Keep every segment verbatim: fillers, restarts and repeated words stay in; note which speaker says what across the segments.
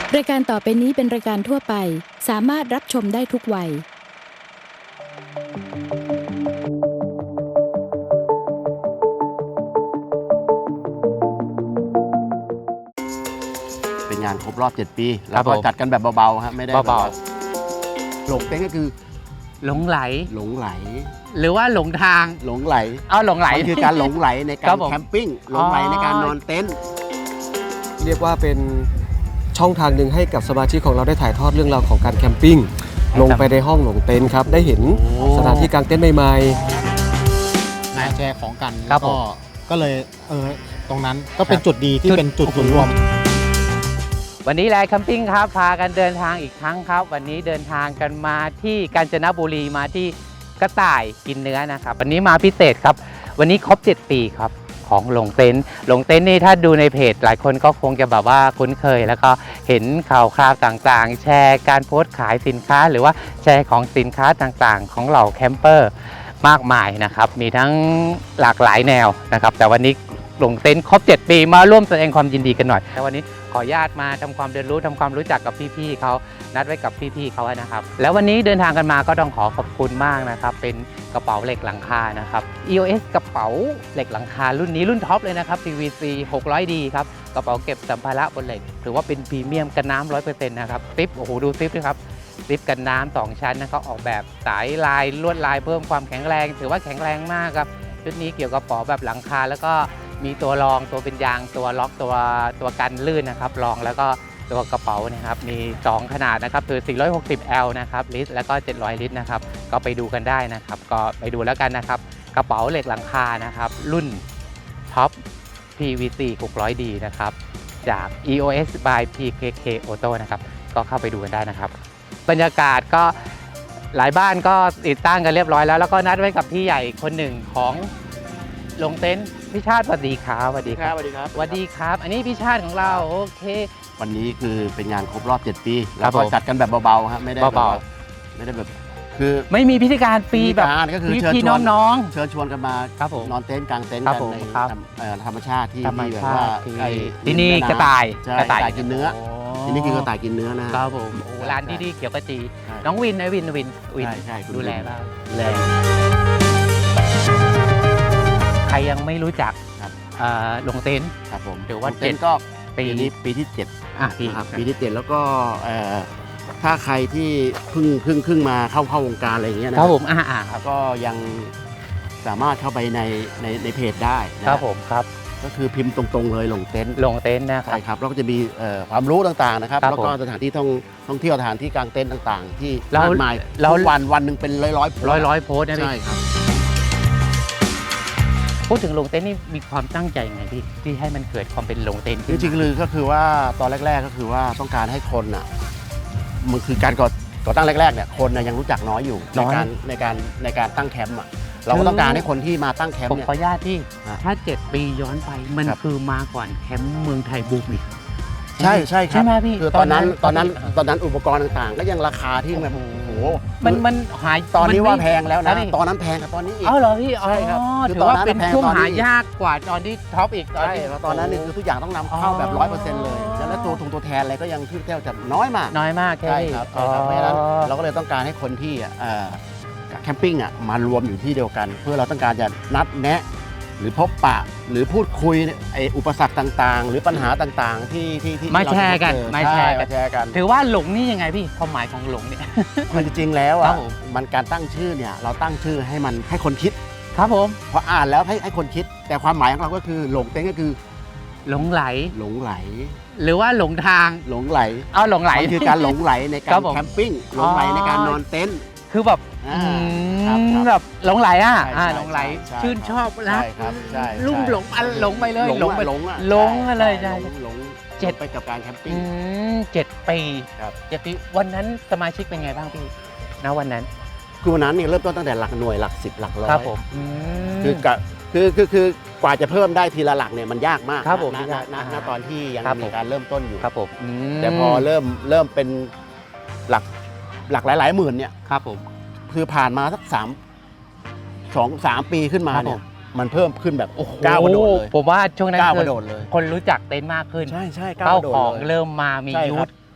Speaker 1: รายการต่อไปนี้เป็นรายการทั่วไปสามารถรับชมได้ทุกวัย
Speaker 2: เป็นงานครบรอบเจ็ดปี
Speaker 3: ครั
Speaker 2: แล้
Speaker 3: บ
Speaker 2: วก็
Speaker 3: ผม
Speaker 2: จัดกันแบบเบาๆครับไม่ได้
Speaker 3: เบา
Speaker 2: หลงเต้นก็คือ
Speaker 3: หลงไหล
Speaker 2: หลงไหล
Speaker 3: หรือว่าหลงทาง
Speaker 2: หลงไหล
Speaker 3: เอาหลงไหล
Speaker 2: มันคือการหลงไหลใน
Speaker 3: ค
Speaker 2: กา
Speaker 3: รั
Speaker 2: ร
Speaker 3: บผม
Speaker 2: แคมปิ้งหลงไหลในการนอนเต็นท์
Speaker 4: เรียกว่าเป็นช่องทางหนึ่งให้กับสมาชิกของเราได้ถ่ายทอดเรื่องราวของการแคมปิ้งลงไปในห้องหลงเต็นท์ครับได้เห็นสถานที่กางเต็นท์ใหม่ๆ
Speaker 5: มาแชร์ของกัน
Speaker 3: ครั
Speaker 5: แล้
Speaker 3: บ
Speaker 5: ว
Speaker 3: ผ
Speaker 5: ก็
Speaker 3: ม
Speaker 5: ก็เลยเออตรงนั้นก็เป็นจุดดีที่
Speaker 3: จุด
Speaker 5: เป็นจุดศูนย์รวม
Speaker 3: วันนี้แลแคมปิ้งครับพากันเดินทางอีกครั้งครับ วันนี้เดินทางกันมาที่กาญจนบุรีมาที่กระต่ายกินเนื้อนะครับวันนี้มาพิเศษครับวันนี้ครบเจ็ดปีครับของหลงเต็นท์หลงเต็นท์นี่ถ้าดูในเพจหลายคนก็คงจะแบบว่าคุ้นเคย แล้วก็เห็นข่าวคราวต่างๆ แชร์การโพสต์ขายสินค้า หรือว่าแชร์ของสินค้าต่างๆ ของเหล่าแคมเปอร์มากมายนะครับมีทั้งหลากหลายแนวนะครับแต่วันนี้หลงเต็นท์ครบเจ็ดปีมาร่วมแสดงความยินดีกันหน่อยแต่วันนี้ขออนุญาตมาทำความเรียนรู้ทำความรู้จักกับพี่ๆเขานัดไว้กับพี่ๆเขานะครับแล้ววันนี้เดินทางกันมาก็ต้องขอขอบคุณมากนะครับเป็นกระเป๋าเหล็กหลังคานะครับ อี โอ เอส กระเป๋าเหล็กหลังคารุ่นนี้รุ่นท็อปเลยนะครับ พี วี ซี หกร้อยดี ครับกระเป๋าเก็บสัมภาระบนเหล็กถือว่าเป็นพรีเมียมกันน้ำ ร้อยเปอร์เซ็นต์ นะครับซิปโอ้โหดูซิปด้วยครับซิปกันน้ำสองชั้นนะครับออกแบบสายลายลวดลายเพิ่มความแข็งแรงถือว่าแข็งแรงมากครับชุดนี้เกี่ยวกับกระเป๋าแบบหลังคาแล้วก็มีตัวรองตัวเป็นยางตัวล็อกตัวตัวกันลื่นนะครับรองแล้วก็ตัวกระเป๋านะครับมีสองขนาดนะครับคือ สี่ร้อยหกสิบแอล นะครับลิตรแล้วก็ เจ็ดร้อย ลิตรนะครับก็ไปดูกันได้นะครับก็ไปดูแล้วกันนะครับกระเป๋าเหล็กหลังคานะครับรุ่นท็อป พี วี ซี หกร้อยดี นะครับจาก อี โอ เอส by พี เค เค Auto นะครับก็เข้าไปดูกันได้นะครับบรรยากาศก็หลายบ้านก็ติดตั้งกันเรียบร้อยแล้วแล้วก็นัดไว้กับพี่ใหญ่คนหนึ่งของลงเต็นท์พี่ชาติสวัสดีครับสวัสดีครับ
Speaker 2: สวัสดีครับ
Speaker 3: สวัสดีครับ อันนี้พี่ชาติของเราโอเค
Speaker 2: วันนี้คือเป็นงานครบรอบเจ็ดปี
Speaker 3: ครั
Speaker 2: แล้ว
Speaker 3: บ
Speaker 2: ก็
Speaker 3: ผม
Speaker 2: จัดกันแบบเบาๆครับไม่ได้แบบ
Speaker 3: เบา
Speaker 2: ว่าไม่ได้แบบคือ
Speaker 3: ไม่มีพิธีการปีแบบ
Speaker 2: พิธีการก็คือ
Speaker 3: พี่
Speaker 2: เชิญ
Speaker 3: พี่
Speaker 2: ชวน
Speaker 3: น้อง
Speaker 2: เชิญชวนกันมา
Speaker 3: ครับผม
Speaker 2: นอนเต็นท์กลางเต็นท์
Speaker 3: ครับ
Speaker 2: กัน
Speaker 3: ผม
Speaker 2: ใน
Speaker 3: ครับ
Speaker 2: ธรรมเอ่อธรรมชาติที่
Speaker 3: ธรรม
Speaker 2: ที่แบบ
Speaker 3: ชา
Speaker 2: ว่า
Speaker 3: ติที่
Speaker 2: ไอ้
Speaker 3: ที่นี่
Speaker 2: ริมแม่ำ
Speaker 3: กระต่าย
Speaker 2: ใช่
Speaker 3: กระต่าย
Speaker 2: กินเนื้อ
Speaker 3: โ
Speaker 2: ที่นี่คือกระต่ายกินเนื้อนะฮะ
Speaker 3: ครับผมโอ้ร้านที่นี่เขียวกระจี
Speaker 2: ใช่
Speaker 3: น้องวินนะวินวินวิน
Speaker 2: ใช่ใช่คุณ
Speaker 3: ดูแล
Speaker 2: วิน
Speaker 3: บ้าง
Speaker 2: แรง
Speaker 3: ใครยังไม่รู้จัก
Speaker 2: ครับ
Speaker 3: เอ่อลงเต็นท์
Speaker 2: ครับผม
Speaker 3: ถือว่า
Speaker 2: เต็น
Speaker 3: เจ็ด
Speaker 2: ท์ก็
Speaker 3: ปี
Speaker 2: ปีนี้ปีที่เจ็ด
Speaker 3: อ่ะพี่
Speaker 2: นะครับปีที่เจ็ดแล้วก็เอ่อถ้าใครที่เพิ่งเพิ่งเพิ่งมาเข้าเข้าวงการอะไรอย่างเงี้ยนะครับ
Speaker 3: ผมอ่าอ่าครับ
Speaker 2: ก็ยังสามารถเข้าไปในในในเพจได้นะครับ
Speaker 3: ผมครับ
Speaker 2: ก็คือพิมพ์ตรงๆเลยหลงเต็นท์
Speaker 3: ลงเต็นท์นะครั
Speaker 2: ใช่
Speaker 3: บ
Speaker 2: ครับแล้วก็จะมีเอ่อความรู้ต่างๆนะครับ
Speaker 3: ครับ
Speaker 2: แล้วก็
Speaker 3: ผม
Speaker 2: สถานที่ท่องท่องเที่ยวสถานที่กลางเต็นท์ต่างๆ ที่
Speaker 3: เรา
Speaker 2: มากมาย
Speaker 3: เรา
Speaker 2: ทุกวันวันหนึ่งเป็นร้อยร้อยๆ
Speaker 3: ร้อยร้อยโพสต์นะพี่
Speaker 2: ใช่ครับ
Speaker 3: พูดถึงลงเต็นท์นี่มีความตั้งใจยังไงพี่ที่ให้มันเกิดความเป็นลงเต็นท์
Speaker 2: จริงๆเลยก็คือว่าตอนแรก ๆก็คือว่าต้องการให้คนอ่ะมันคือการก่อก่อตั้งแรกๆเนี่ยคนน่ะยังรู้จักน้อยอยู่ในการในการในการตั้งแคมป์อ่ะเราก็ต้องการให้คนที่มาตั้งแคม
Speaker 3: ผ
Speaker 2: ป์
Speaker 3: ม
Speaker 2: เนี่ย
Speaker 3: ขออนุญาตพี่
Speaker 2: ฮะ
Speaker 3: ถ้าเจ็ดปีย้อนไปมัน
Speaker 2: ครับ
Speaker 3: คือมาก่อนแคมป์เมืองไทยบูมอีก
Speaker 2: ใช่ใช่ครับ
Speaker 3: ใช่ไหมพี่
Speaker 2: คือตอนนั้นต
Speaker 3: ต
Speaker 2: อ
Speaker 3: อน นนั้
Speaker 2: นั้น
Speaker 3: น
Speaker 2: ตอนนั้นอุปกรณ์ต่างๆ ก็ยังราคาที่แบบโอ้โห
Speaker 3: มันมันหาย
Speaker 2: ตอนนี้
Speaker 3: มั
Speaker 2: ว่า
Speaker 3: ไม่
Speaker 2: แพงแล้ว
Speaker 3: ครั
Speaker 2: นะ
Speaker 3: บพี่
Speaker 2: ตอนนั้นแพงกับตอนนี้อีก
Speaker 3: เอาเหรอพี่อ๋อ
Speaker 2: ใช่ครับคือ
Speaker 3: ถือว่า
Speaker 2: ตอนนั้น
Speaker 3: เป็น
Speaker 2: แพง
Speaker 3: ช่วง
Speaker 2: ตอนนี้
Speaker 3: หายากกว่าตอนที่ท็อปอีกตอน
Speaker 2: ใช่
Speaker 3: ที่
Speaker 2: แล้วตอนนั้นนี่คือทุกอย่างต้องนำเข้าแบบร้อยเปอร์เซ็นต์เลยแล้วตัวทงตัวแทนอะไรก็ยังที่แทบจะน้อยมาก
Speaker 3: น้อยมากแค่
Speaker 2: ใช่
Speaker 3: นี้
Speaker 2: ครับใช่ครับเพราะฉะนั้นเราก็เลยต้องการให้คนที่อ่ะเอ่อแคมปิ้งอ่ะมารวมอยู่ที่เดียวกัน เพื่อเราต้องการจะนัดแนะ หรือพบปะหรือพูดคุยไอ้อุปสรรคต่างๆ หรือปัญหาต่างๆ ที่ที่ที่
Speaker 3: มาแชร์กัน
Speaker 2: เรจะเจอ
Speaker 3: มาแชร์กัน
Speaker 2: ใมาแชร์กัน
Speaker 3: ถือว่าหลงนี่ยังไงพี่ความหมายของหลงเนี่ย
Speaker 2: คือจริงๆแล้ว
Speaker 3: ครั
Speaker 2: อ่ะ
Speaker 3: บผม
Speaker 2: มันการตั้งชื่อเนี่ยเราตั้งชื่อให้มันให้คนคิด
Speaker 3: ครับผม
Speaker 2: พออ่านแล้วให้ให้คนคิด แต่ความหมายของเราก็คือหลงเต็นท์ก็คือ
Speaker 3: หลงไหล
Speaker 2: หลงไหล
Speaker 3: หรือว่าหลงทาง
Speaker 2: หลงไหล
Speaker 3: เอาหลงไหล
Speaker 2: มันคือการหลงไหลใน
Speaker 3: ค
Speaker 2: กา
Speaker 3: รั
Speaker 2: ร
Speaker 3: บผม
Speaker 2: แคมปิ้งหลงไหลในการนอนเต็นท์
Speaker 3: คือแบบ
Speaker 2: อ่า
Speaker 3: อืม
Speaker 2: ครับครับ
Speaker 3: แบบหลงไหลอ่ะ
Speaker 2: ใช่
Speaker 3: อ่า
Speaker 2: ใช่
Speaker 3: หลงไหล
Speaker 2: ใช่
Speaker 3: ชื่น
Speaker 2: ครับ
Speaker 3: ชอบรัก
Speaker 2: ใช่ครับใช่
Speaker 3: ลุ่ม
Speaker 2: ใช่
Speaker 3: หลงอันหลงไปเลย
Speaker 2: หลง
Speaker 3: ไป
Speaker 2: หลงอะ
Speaker 3: หลงมาเลย
Speaker 2: ใช่
Speaker 3: ใช่
Speaker 2: หลงหลง
Speaker 3: เจ็ด
Speaker 2: ไปกับการแคมปิ้ง
Speaker 3: อืมเจ็ดปี
Speaker 2: ครับ
Speaker 3: เจ็ดปีวันนั้นสมาชิกเป็นไงบ้างพี่ณวันนั้น
Speaker 2: คือวันนั้นเนี่ยเริ่มต้นตั้งแต่หลักหน่วยหลักสิบหลักร้อย
Speaker 3: ครับผมอืม
Speaker 2: คือกะคือคือคือกว่าจะเพิ่มได้ทีละหลักเนี่ยมันยากมาก
Speaker 3: ครับผม
Speaker 2: ณณ
Speaker 3: ยาก
Speaker 2: ณ
Speaker 3: อ่า
Speaker 2: ณตอนที่ยัง
Speaker 3: ครับผม
Speaker 2: มีการเริ่มต้นอยู่
Speaker 3: ครับผมม
Speaker 2: แต่พอเริ่มเริ่มเป็นหลักหลักหลาย ๆ หมื่นเนี่ย
Speaker 3: ครับผม
Speaker 2: คือผ่านมาสักสามสองสามปีขึ้นมา
Speaker 3: ครับ
Speaker 2: เนี่
Speaker 3: ผ
Speaker 2: ย
Speaker 3: ม
Speaker 2: มันเพิ่มขึ้นแบบก้าวกระโดดเลย
Speaker 3: ผมว่าช่วงนั้น
Speaker 2: ก้าว
Speaker 3: คื
Speaker 2: ก
Speaker 3: อ
Speaker 2: ระโดดเลย
Speaker 3: คนรู้จักเต็นท์มากขึ้น
Speaker 2: ใช่ใช่ก้าว
Speaker 3: เป้าก
Speaker 2: ระโดด
Speaker 3: ของ
Speaker 2: เลย
Speaker 3: เริ่มมามี
Speaker 2: ใช่
Speaker 3: ยู
Speaker 2: ครั
Speaker 3: ท
Speaker 2: บ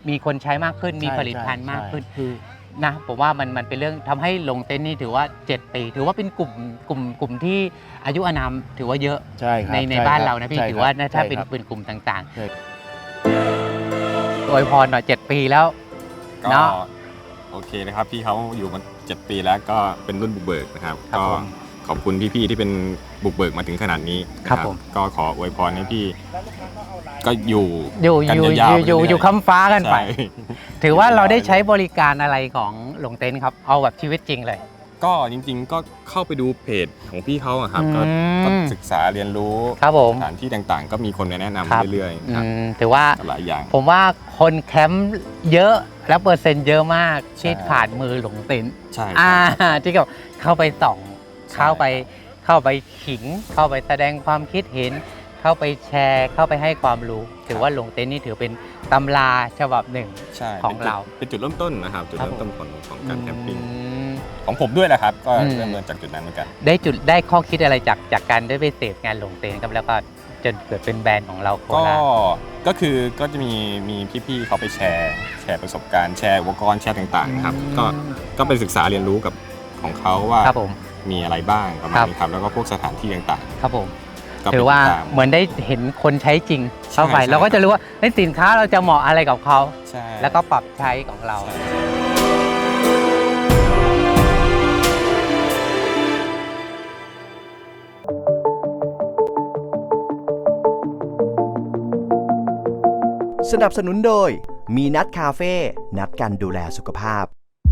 Speaker 3: มีคนใช้มากขึ้นมี
Speaker 2: ใช่
Speaker 3: ผลิตภัณฑ์มากขึ้น
Speaker 2: ใช่คือ
Speaker 3: นะผมว่ามันมันเป็นเรื่องทำให้ลงเต็นท์นี่ถือว่าเจ็ดปีถือว่าเป็นกลุ่มกลุ่มกลุ่มที่อายุอานามถือว่าเยอะ
Speaker 2: ใช่ครับ
Speaker 3: ในใน
Speaker 2: ช่
Speaker 3: บ้าน
Speaker 2: คบ
Speaker 3: เรานะพี่
Speaker 2: ใช่
Speaker 3: ถือ
Speaker 2: ครับ
Speaker 3: ว่านะถ้า
Speaker 2: ใช่
Speaker 3: เป็น
Speaker 2: ครับ
Speaker 3: เป็นกลุ่มต่าง
Speaker 2: ใช่
Speaker 3: ๆอวยพรหน่อยเจ็ดปีแล้ว
Speaker 6: ก็
Speaker 3: เนาะ
Speaker 6: โอเคนะครับพี่เขาอยู่มาเจ็ดปีแล้วก็เป็นรุ่นบุกเบิกนะครับ
Speaker 3: ครับ
Speaker 6: ก็
Speaker 3: ผม
Speaker 6: ขอบคุณพี่ๆที่เป็นบุกเบิกมาถึงขนาดนี้นะครับ
Speaker 3: ผม
Speaker 6: ก็ขออวยพรให้พี่ ก็อยู่
Speaker 3: อยู่
Speaker 6: กัน
Speaker 3: อยู่
Speaker 6: ยาว
Speaker 3: อยู่
Speaker 6: ๆ
Speaker 3: อยู่
Speaker 6: ไปเรื่อยๆ
Speaker 3: อยู่ค้ำฟ้ากันไป
Speaker 6: ใช่
Speaker 3: ถือว่าเราได้ใช้บริการอะไรของลงเต็นท์ครับเอาแบบชีวิตจริงเลย
Speaker 6: ก็จริงๆก็เข้าไปดูเพจของพี่เขาอะครับก็
Speaker 3: อืม
Speaker 6: ก็ศึกษาเรียนรู้
Speaker 3: ครับผม
Speaker 6: สถานที่ต่างๆ ก็มีคนมาแนะนำ
Speaker 3: ครับ
Speaker 6: เรื่อย
Speaker 3: อื
Speaker 6: ๆครับ
Speaker 3: มถือว่า
Speaker 6: หลายอย่าง
Speaker 3: ผมว่าคนแคมป์เยอะและเปอร์เซ็นต์เยอะมาก
Speaker 6: ใช่
Speaker 3: ที่ผ่านมือหลงเต็นท์
Speaker 6: ใช่
Speaker 3: อ่า
Speaker 6: ครับ
Speaker 3: ที่กับเข้าไปส่อง
Speaker 6: ใช่
Speaker 3: เข้าไปเข้าไปขิง เข้าไปแสดงความคิดเห็น เข้าไปแชร์ เข้าไปให้ความรู้ ถือว่าลงเต็นท์นี่ถือเป็นตำราฉบับหนึ่ง
Speaker 6: ใช่
Speaker 3: ของเรา
Speaker 6: เป็นจุดเริ่มต้นนะครับจุด
Speaker 3: ครับ
Speaker 6: เริ่มต้นของของการแคมปิ้ง
Speaker 3: อืม
Speaker 6: ของผมด้วยแหละครับก็
Speaker 3: อืม
Speaker 6: เริ่มต้นจากจุดนั้นเหมือนกัน
Speaker 3: ได้จุดได้ข้อคิดอะไรจากจากการได้ไปเสพงานลงเต็นท์ครับแล้วก็จนเกิดเป็นแบรนด์ของเราโค
Speaker 6: ก็
Speaker 3: ราช
Speaker 6: ก็คือก็จะมีมีพี่ๆเขาไปแชร์แชร์ประสบการณ์แชร์อุปกรณ์แชร์ต่างๆนะครับก็ก็ไปศึกษาเรียนรู้กับของเขาว่า
Speaker 3: ครับผม
Speaker 6: มีอะไรบ้างประมา
Speaker 3: ค
Speaker 6: ณ
Speaker 3: รับ
Speaker 6: นี้ครับแล้วก็พวกสถานที่ต่าง
Speaker 3: ครับผม
Speaker 6: ๆก็ไป
Speaker 3: ถือว่า
Speaker 6: ติดตาม
Speaker 3: เหมือนได้เห็นคนใช้จริงเข้าไป
Speaker 6: ใช่ใช่
Speaker 3: เราก็จะรู้ว่าในสินค้าเราจะเหมาะอะไรกับเขา
Speaker 6: ใช่
Speaker 3: แล้วก็ปรับใช้ของเรา
Speaker 6: ใช่
Speaker 7: สนับสนุนโดยมีนัดคาเฟ่นัดกันดูแลสุขภาพ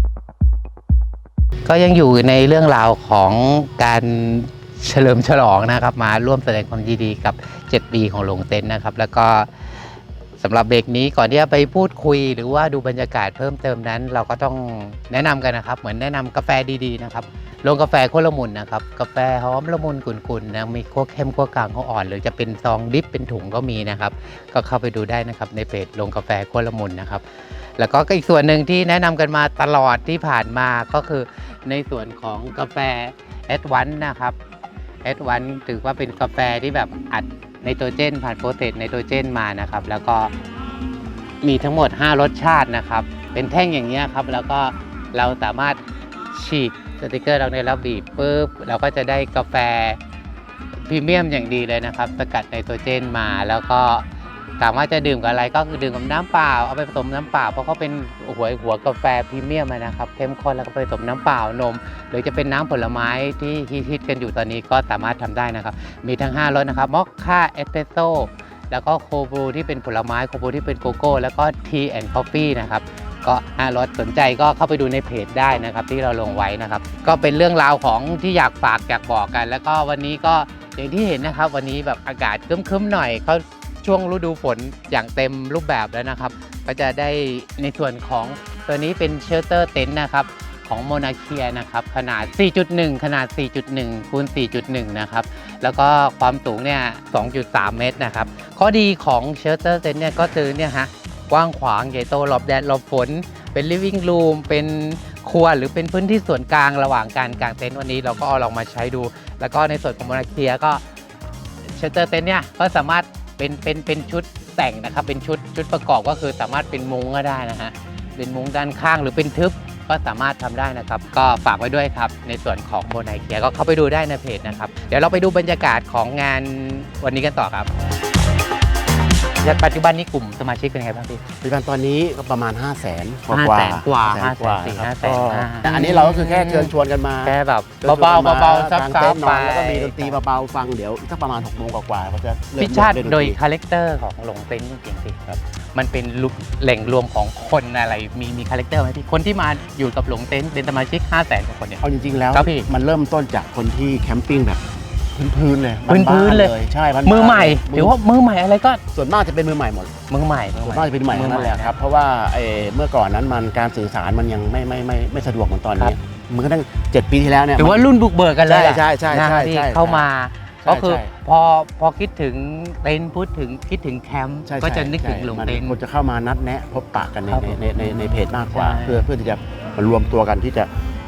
Speaker 3: ก็ยังอยู่ในเรื่องราวของการเฉลิมฉลองนะครับมาร่วมแสดงความยินดีกับเจ็ดปีของลงเต็นท์นะครับแล้วก็สำหรับเบรกนี้ก่อนที่จะไปพูดคุยหรือว่าดูบรรยากาศเพิ่มเติมนั้น เราก็ต้องแนะนำกันนะครับเหมือนแนะนำกาแฟดีๆนะครับโรงกาแฟโคตรละมุนนะครับกาแฟหอมละมุนกุ่นๆนะมีคั่วเข้มคั่วกลางคั่วอ่อนหรือจะเป็นซองดิฟเป็นถุงก็มีนะครับก็เข้าไปดูได้นะครับในเพจโรงกาแฟโคตรละมุนนะครับแล้วก็อีกส่วนหนึ่งที่แนะนำกันมาตลอดที่ผ่านมาก็คือในส่วนของกาแฟแอดวานซ์นะครับแอดวานซ์ถือว่าเป็นกาแฟที่แบบอัดไนโตรเจนผ่านโปรเซสไนโตรเจนมานะครับแล้วก็มีทั้งหมดห้ารสชาตินะครับเป็นแท่งอย่างนี้ยครับแล้วก็เราสามารถฉีกสติกเกอร์ตรงนี้แล้วบีบปุ๊บเราก็จะได้กาแฟพรีเมียมอย่างดีเลยนะครับสกัดไนโตรเจนมาแล้วก็ถามว่าจะดื่มกับอะไรก็คือดื่มกับน้ำเปล่าเอาไปผสมน้ำเปล่าเพราะเขาเป็นหัวหัวกาแฟพรีเมียมนะครับเข้มข้นแล้วก็ไปผสมน้ำเปล่านมหรือจะเป็นน้ำผลไม้ที่ฮิตๆกันอยู่ตอนนี้ก็สามารถทำได้นะครับมีทั้งห้ารสนะครับมอคค่าเอสเปรสโซ่แล้วก็โคบรูที่เป็นผลไม้โคบรูที่เป็นโกโก้แล้วก็ทีแอนด์คอฟฟี่นะครับก็ห้ารสสนใจก็เข้าไปดูในเพจได้นะครับที่เราลงไว้นะครับก็เป็นเรื่องราวของที่อยากฝากอยากบอกกัน แล้วก็วันนี้ก็อย่างที่เห็นนะครับวันนี้แบบอากาศครึ้มๆหน่อยเขาช่วงฤดูฝนอย่างเต็มรูปแบบแล้วนะครับก็จะได้ในส่วนของตัวนี้เป็นเชลเตอร์เต็นท์นะครับของโมนาเคียนะครับขนาด สี่จุดหนึ่ง ขนาด สี่จุดหนึ่ง คูณ สี่จุดหนึ่ง นะครับแล้วก็ความสูงเนี่ย สองจุดสาม เมตรนะครับข้อดีของเชลเตอร์เต็นท์เนี่ยก็คือเนี่ยฮะกว้างขวางใหญ่โตหลบแดดหลบฝนเป็น living room เป็นครัวหรือเป็นพื้นที่ส่วนกลางระหว่างการกางเต็นท์วันนี้เราก็เอาลองมาใช้ดู แล้วก็ในส่วนของโมนาเคียก็เชลเตอร์เต็นท์เนี่ยก็สามารถเป็นเป็นเป็นชุดแต่งนะครับเป็นชุดชุดประกอบก็คือสามารถเป็นมุ้งก็ได้นะฮะเป็นมุ้งด้านข้างหรือเป็นทึบก็สามารถทำได้นะครับก็ฝากไว้ด้วยครับในส่วนของโมนาเคียก็เข้าไปดูได้ในเพจนะครับเดี๋ยวเราไปดูบรรยากาศของงานวันนี้กันต่อครับปัจจุบันนี้กลุ่มสมาชิกเป็นไงบ้างพี่
Speaker 2: ปัจจุบันตอนนี้ก็ประมาณ ห้าแสน กว่า
Speaker 3: ห้า
Speaker 2: ๆ
Speaker 3: แสนกว่า
Speaker 2: ห้าแสนกว่า
Speaker 3: ห้าแสนสี่
Speaker 2: ครับ
Speaker 3: ห้าแสน
Speaker 2: ก็
Speaker 3: ห้า
Speaker 2: แต่อันนี้เราก็คือแค่เชิญชวนกันมา
Speaker 3: แค่แบบ
Speaker 2: ชิญชวน
Speaker 3: เบา
Speaker 2: กันม
Speaker 3: ๆเบาๆซับ
Speaker 2: กาง
Speaker 3: ซั
Speaker 2: เต็
Speaker 3: บ
Speaker 2: นท์น
Speaker 3: ไป
Speaker 2: อนแล้วก็มีดนตรีเบาๆฟังเดี๋ยวอีกสักประมาณหกโมงกว่าๆเขาจะเริ่ม
Speaker 3: พิชชาติ
Speaker 2: เล่นนตรี
Speaker 3: โดยคาแรคเตอร์ของหลงเต็นท์จริงๆพี่ครับมันเป็นลุกแหล่งรวมของคนอะไรมีมีคาแรคเตอร์ไหมพี่คนที่มาอยู่กับหลงเต็นท์เป็นสมาชิก ห้าแสนกว่าคนเนี่ย
Speaker 2: เอาจริงๆแล้ว
Speaker 3: ครับพี่
Speaker 2: มันเริ่มต้นจากคนที่แคมปิ้งแบบพื้นๆเลย
Speaker 3: พื้นๆเลย
Speaker 2: บ้าๆใช่บ้านๆ
Speaker 3: มือใหม่
Speaker 2: เลย
Speaker 3: ถือว่ามือใหม่อะไรก็
Speaker 2: ส่วนมากจะเป็นมือใหม่หมด
Speaker 3: มือใหม่
Speaker 2: ส่วนมากจะเป็นมือใหม่ทั้งนั้นแหละครับเพราะว่าเอ่อเมื่อก่อนนั้นมันการสื่อสารมันยังไม่ไม่ไม่ไม่สะดวกเหมือนตอนนี้มันก็ตั้งเจ็ดปีที่แล้วเนี่ย
Speaker 3: ถือว่ารุ่นบุกเบิกกันเลย
Speaker 2: ใช่ใช่ใช่
Speaker 3: นะ
Speaker 2: ใช่
Speaker 3: ที่
Speaker 2: ใช่
Speaker 3: เข้ามา
Speaker 2: ใช่
Speaker 3: ก็คือ
Speaker 2: ใช่
Speaker 3: พอพอคิดถึงเต็นท์พูดถึงคิดถึงแคมป์
Speaker 2: ใช่
Speaker 3: ก็จะ
Speaker 2: ใช่
Speaker 3: นึกถึง
Speaker 2: ใช่
Speaker 3: หลง
Speaker 2: มัน
Speaker 3: เต็นท์
Speaker 2: คนจะเข้ามานัดแนะพบปะกันใน
Speaker 3: ครับ
Speaker 2: ในในในในเพจมากกว่า
Speaker 3: ใช่
Speaker 2: เพื่อเพื่อที่จะมารวมตัวกันที่จะ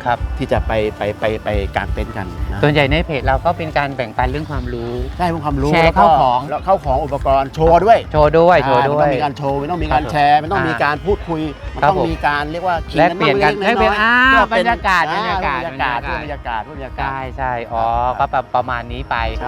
Speaker 3: ครับ
Speaker 2: ที่จะไปไปไปไปกางเต็นท์กันนะ
Speaker 3: ส่วนใหญ่ในเพจเราก็เป็นการแบ่งปันเรื่องความรู้
Speaker 2: ใช่พวกความรู้
Speaker 3: แชร์
Speaker 2: แล้วก็
Speaker 3: เข้าของ
Speaker 2: แล้วเข้าของอุปกรณ์โชว์ด้วย
Speaker 3: โชว์ด้วยโชว์
Speaker 2: อ่า
Speaker 3: ด้
Speaker 2: มัน
Speaker 3: ว
Speaker 2: ต้อย งมีการโชว์มันต้องมีการ
Speaker 3: ครับ
Speaker 2: แชร์มันต้อง
Speaker 3: อ่ามี
Speaker 2: มีการพูดคุยมัน
Speaker 3: ครับ
Speaker 2: ต้อง
Speaker 3: ผม
Speaker 2: มีการเรียกว่าขิง
Speaker 3: แลกเปลี่ยนกัน
Speaker 2: บ้าง
Speaker 3: แลกเปลี่ยน
Speaker 2: ๆ
Speaker 3: อ่า
Speaker 2: พื่อบ
Speaker 3: รรยากาศ
Speaker 2: อ่
Speaker 3: บรรยากาศ
Speaker 2: บรรยากาศ
Speaker 3: บร
Speaker 2: บร
Speaker 3: รยาย
Speaker 2: รากาศบรรยากาศ
Speaker 3: ใช่ใช่อ๋อก็แบบประมาณนี้ไป
Speaker 2: ใช่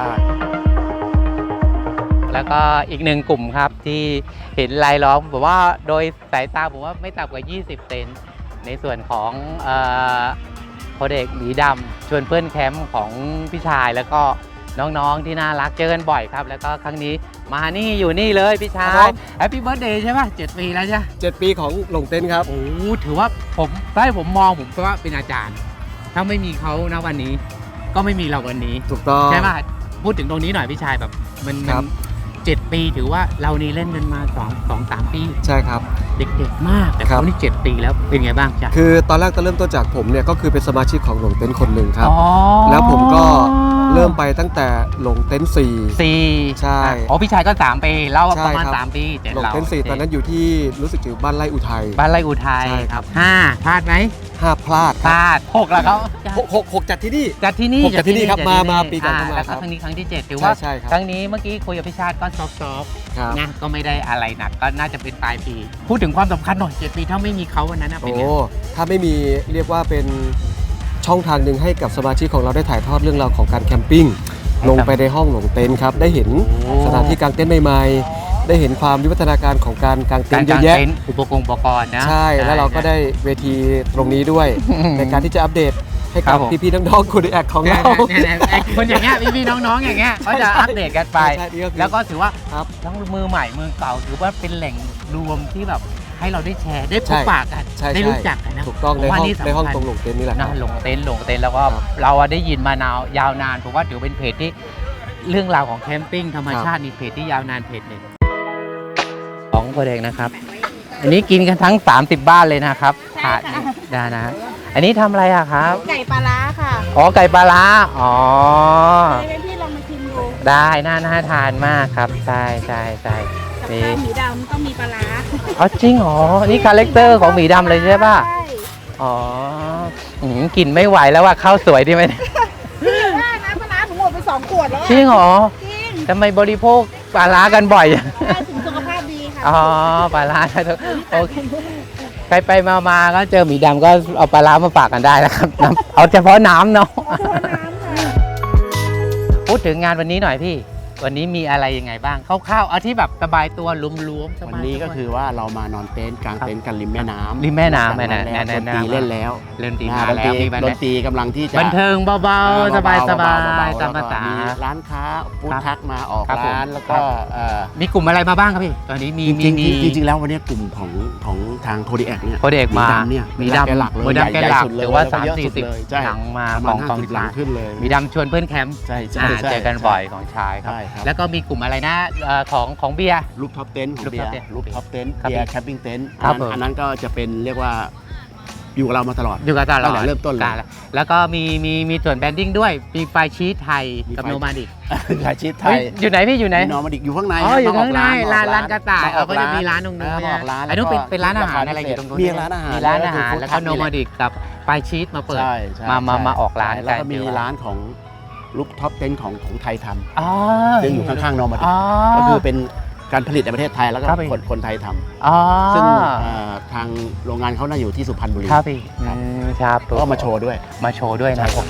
Speaker 3: แล้วก็อีกหนึ่งกลุ่มครับที่เห็นรายล้อมผมว่าโดยสายตาผมว่าไม่ต่ำกว่า ยี่สิบ เซนในส่วนของโคเด็กหมีดำชวนเพื่อนแคมป์ของพี่ชายแล้วก็น้องๆที่น่ารักเจอกันบ่อยครับ แล้วก็ครั้งนี้มานี่อยู่นี่เลยพี่ชา
Speaker 4: ครั
Speaker 3: ย
Speaker 4: บ
Speaker 3: แฮปปี้เบิร์ธเดย์ใช่ป่ะเจ็ดปีแล้วใช่
Speaker 4: เจ็ดปีของหลงเต็นท์ครับ
Speaker 3: โอ้ถือว่าผมถ้าให้ผมมองผมก็ว่าเป็นอาจารย์ ถ้าไม่มีเขาณวันนี้ ก็ไม่มีเราวันนี้
Speaker 4: ถูกต้อง
Speaker 3: ใช่ป่ะพูดถึงตรงนี้หน่อยพี่ชายแบบมัน
Speaker 4: ค
Speaker 3: มั
Speaker 4: รั
Speaker 3: น
Speaker 4: บ
Speaker 3: เจ็ดปีถือว่าเรานี่เล่นกันมาสองสองสามปี
Speaker 4: ใช่ครับ
Speaker 3: เด็กๆมากแต่
Speaker 4: ครั
Speaker 3: เขา
Speaker 4: บ
Speaker 3: นี่เจ็ดปีแล้วเป็นไงบ้างจ๊ะ
Speaker 4: คือตอนแรกก็เริ่มต้นจากผมเนี่ยก็คือเป็นสมาชิกของหลงเต็นท์คนหนึ่งครับ
Speaker 3: อ๋อ
Speaker 4: แล้วผมก็เริ่มไปตั้งแต่หลงเต็นท์สี่
Speaker 3: สี่
Speaker 4: ใช่
Speaker 3: อ๋อพี่ชายก็สามปีเรา
Speaker 4: ใช่
Speaker 3: ประมาณ
Speaker 4: ครับ
Speaker 3: สามปีเจ็ด
Speaker 4: หลง
Speaker 3: เรา
Speaker 4: เต็นท์สี่ตอนนั้นอยู่ที่รู้สึกอยู่บ้านไร่อุทัย
Speaker 3: บ้านไร่อุทัย
Speaker 4: ใช่ครับ
Speaker 3: ห้าพลาดไหม
Speaker 4: ห้าพลาด
Speaker 3: พลาดหกแล้วเขา
Speaker 4: หกหกหกจัดที่นี่
Speaker 3: จัดที่นี่
Speaker 4: หกจัดที่นี่ครับ
Speaker 3: จัด
Speaker 4: มา
Speaker 3: ที่
Speaker 4: มาปีก่อน
Speaker 3: อ่
Speaker 4: ก็มา
Speaker 3: แล้ว
Speaker 4: ครั
Speaker 3: ก็
Speaker 4: บ
Speaker 3: ครั้งนี้ครั้งที่เจ็ดถือว่า
Speaker 4: ใช่ใช่ครับ
Speaker 3: ครั้งนี้เมื่อกี้คุยกับพี่ชาติก็ซอฟต์
Speaker 4: ครับ
Speaker 3: ๆนะก็ไม่ได้อะไรหนักก็น่าจะเป็นปลายปี พูดถึงความสำคัญหน่อยเจ็ดปีถ้าไม่มีเขาวันนั้นนะเป็น
Speaker 4: โอ้
Speaker 3: ไง
Speaker 4: ถ้าไม่มีเรียกว่าเป็นช่องทางหนึ่งให้กับสมาชิกของเราได้ถ่ายทอดเรื่องราวของการแคมปิ้งลงไปในห้องหลงเต็นท์ครับได้เห็นสถานที่กางเต็นท์ใหม่ๆได้เห็นความวิวัฒนาการของการกางเต็
Speaker 3: กาน ร
Speaker 4: ท์เย
Speaker 3: กา
Speaker 4: อะ
Speaker 3: ร
Speaker 4: แยะ
Speaker 3: เต็นท์อุปกรณ์อุปกรณ์นะ
Speaker 4: ใช่แล้วเราก็ได้เวทีตรงนี้ด้วย ในการที่จะอัปเดตให้
Speaker 3: ครั
Speaker 4: กับบ
Speaker 3: ผม
Speaker 4: พี่ๆน้องๆคุณแอคของ
Speaker 3: เนี่ย
Speaker 4: เรา
Speaker 3: เนี่ยเนี่ยไอ้คนอย่างเงี้ยพี่ๆน้องๆอย่างเงี้ยก็จะอัปเดตกันไป
Speaker 4: ใช่นี่ก็คือ
Speaker 3: แล้วก็ถือว่า
Speaker 4: ครับ
Speaker 3: ทั้งมือใหม่มือเก่าถือว่าเป็นแหล่งรวมที่แบบให้เราได้แชร์ได้พ
Speaker 4: ใช่
Speaker 3: บปะกัน
Speaker 4: ใช่
Speaker 3: ได้
Speaker 4: ใช่
Speaker 3: รู้จักกันนะ
Speaker 4: ถูกต้อง
Speaker 3: ผม
Speaker 4: ใน
Speaker 3: ว่า
Speaker 4: ห้อง
Speaker 3: นี่สำคัญ
Speaker 4: ในห้องตรงหลงเต็นท์นี่แหละค
Speaker 3: นะ
Speaker 4: รับ
Speaker 3: หลงเต็นท์หลงเต็นท์แล้วก็
Speaker 4: ครับ
Speaker 3: เราอะได้ยินมานานยาวนานผมว่าถือเป็นเพจที่เรื่องราวของแคมปิ้งธรรมชาตินี่เพจที่ยาวนานเพจหนึ่งของโคเด็กนะครับ อันนี้กินกันทั้ง สามสิบ บ้านเลยนะครับถาดนี้ได้นะ อันนี้ทำอะไรอะครับ
Speaker 8: ไก่ปลาร้าค่ะ
Speaker 3: อ๋อไก่ปลาร้าอ๋อ
Speaker 8: ให้เป็นพี่ลองมาชิมดู
Speaker 3: ได้น่าน่าทานมากครับใช่ใช่ใช่
Speaker 8: กับ
Speaker 3: นี่
Speaker 8: ข้าวหมีดำต้องมีปลาร้า
Speaker 3: อ๋อจริงเหรอนี่คาแรคเตอร์ของหมีดำเลยใช่ป่ะ
Speaker 8: ใช่
Speaker 3: อ๋ออืมกลิ่นไม่ไหวแล้วว่าข้าวสวยดีไหมเนี่ย
Speaker 8: พี่อย่าว่านะปลาร้าผมหมดไปสองขวดแล้วอะ
Speaker 3: จริงเหรอ
Speaker 8: จริง
Speaker 3: ทำไมบริโภคปลาร้ากันบ่อยจัง
Speaker 8: ใช่ถึงสุขภาพดีค่ะ
Speaker 3: อ๋อปลาร้าโอเคใครไปมามาก็เจอหมีดำก็เอาปลาร้ามาฝากกันได้นะครับน้ำเอาเฉพาะน้ำเนาะ
Speaker 8: เอาตัวน้ำค่ะ
Speaker 3: พูดถึงงานวันนี้หน่อยพี่ วันนี้มีอะไรยังไงบ้างคร่าวๆเอาที่แบบสบายตัวรวมๆสบาย
Speaker 2: วันนี้ก็คือว่าเรามานอนเต็นท์กลางเต็นท์กันริมแม่น้ำ
Speaker 3: ริมแม่น้ำ
Speaker 2: จาก
Speaker 3: แม่น้ำ
Speaker 2: แล้ว
Speaker 3: แน่ๆ
Speaker 2: ดนตรีเล่นแล้ว
Speaker 3: เล่นตี
Speaker 2: อ่
Speaker 3: มา
Speaker 2: ดน
Speaker 3: แล้
Speaker 2: ตรี
Speaker 3: วมีบัน
Speaker 2: ดนตรีกำลังที่จะ
Speaker 3: บันเทิงเบา
Speaker 2: อ่
Speaker 3: ๆ สบายๆ
Speaker 2: เบๆ
Speaker 3: ตามภาษา
Speaker 2: มีร้านค้าฟู้ด
Speaker 3: ครับ
Speaker 2: ทักมาออก
Speaker 3: ครับผม
Speaker 2: ร้านแล้ว
Speaker 3: ครั
Speaker 2: ก็
Speaker 3: บ
Speaker 2: เอ่อ
Speaker 3: มีกลุ่มอะไรมาบ้างครับพี่ ตอนนี้มี
Speaker 2: จ
Speaker 3: มี
Speaker 2: ริง
Speaker 3: มี
Speaker 2: ๆจริงๆแล้ววันนี้กลุ่มของของทางโคดีแอคเนี่ย
Speaker 3: โคเด็กมา
Speaker 2: ดำเนี่ย
Speaker 3: มี
Speaker 2: แก
Speaker 3: ดำ
Speaker 2: หลักเลย
Speaker 3: มีดำแก
Speaker 2: ใญ่
Speaker 3: หลัก
Speaker 2: สุดเลย
Speaker 3: ถือว่า
Speaker 2: แล้วก็
Speaker 3: สาม
Speaker 2: เยอะ
Speaker 3: สี่
Speaker 2: สุด
Speaker 3: สิบ
Speaker 2: เลยใช่
Speaker 3: หลังมา
Speaker 2: ประ
Speaker 3: ข
Speaker 2: มา
Speaker 3: อ
Speaker 2: ณ
Speaker 3: งของ
Speaker 2: ห้าสิบหลังขึ้นเลย
Speaker 3: มีดำชวนเพื่อนแคมป์
Speaker 2: ใช่ใช่
Speaker 3: อ่า
Speaker 2: ใช่
Speaker 3: เจอกันบ่อยของชายครับ
Speaker 2: ใช่ครับ
Speaker 3: แล้วก็มีกลุ่มอะไรนะเอ่อของของเบียร์
Speaker 2: รูปท็อปเต็นท์ของ
Speaker 3: Rooftop
Speaker 2: เบียร์
Speaker 3: Tent
Speaker 2: รูปท็อปเต็นท์
Speaker 3: ครับ
Speaker 2: เบียร์แคมปิ้งเต็นท์
Speaker 3: ครับผม
Speaker 2: อันนั้นก็จะเป็นเรียกว่าอยู่กับเรามาตลอด
Speaker 3: อยู่กับตลอ
Speaker 2: ตั้
Speaker 3: ด
Speaker 2: งแต่เริ่มต้นเลย
Speaker 3: การแล้วก็มีมีมีส่วนแบรนดิ้งด้วย มีไฟชีสไทย
Speaker 2: มี
Speaker 3: กับ
Speaker 2: ไฟ
Speaker 3: โนมาดิก
Speaker 2: ขายชีสไท
Speaker 3: เฮ้ย
Speaker 2: ย
Speaker 3: อยู่ไหนพี่อยู่ไหน
Speaker 2: มีนอร์มาดิกอยู่ข้างใน
Speaker 3: อ๋ออยู่
Speaker 2: ม
Speaker 3: ข้างใน
Speaker 2: ม
Speaker 3: ร้านร้านกระต่าย
Speaker 2: มอ
Speaker 3: เอา
Speaker 2: อก
Speaker 3: ก็จะมีร้านตรงนู้น
Speaker 2: เออมาออกร้าน
Speaker 3: อันนู้นเป็น
Speaker 2: แล้วก็
Speaker 3: เป็นร้านอาหารอะไรอยู่ตรงนู้น
Speaker 2: มีร้านอาหาร
Speaker 3: มีร้านอาหาร
Speaker 2: แล้วก็
Speaker 3: แล้วก็
Speaker 2: food
Speaker 3: โน
Speaker 2: truck
Speaker 3: มาดิกกับไฟชีสมาเปิด
Speaker 2: ใช่ใช่
Speaker 3: มามา
Speaker 2: ใช่
Speaker 3: มาออกร้าน
Speaker 2: แล้วก็
Speaker 3: กัน
Speaker 2: มี
Speaker 3: เดี๋ยว
Speaker 2: ร้านของรูปท็อปเต็นท์ของของไทยท
Speaker 3: อ๋อ
Speaker 2: ำซึ่งอยู่ข้างๆนอร์มาดิ
Speaker 3: อ๋
Speaker 2: ก
Speaker 3: อ
Speaker 2: ก็คือเป็นการผลิตในประเทศไทยแล้วก็
Speaker 3: ครับพี่
Speaker 2: คนคนไทยท
Speaker 3: อ๋อ
Speaker 2: ำซึ่งเอ่อทางโรงงานเขาน่าอยู่ที่สุพรรณบุรี
Speaker 3: ครับพี่
Speaker 2: ครับ
Speaker 3: อืมครับ
Speaker 2: ก็มาโชว์ด้วย
Speaker 3: มาโชว์ด้วยนะโอเค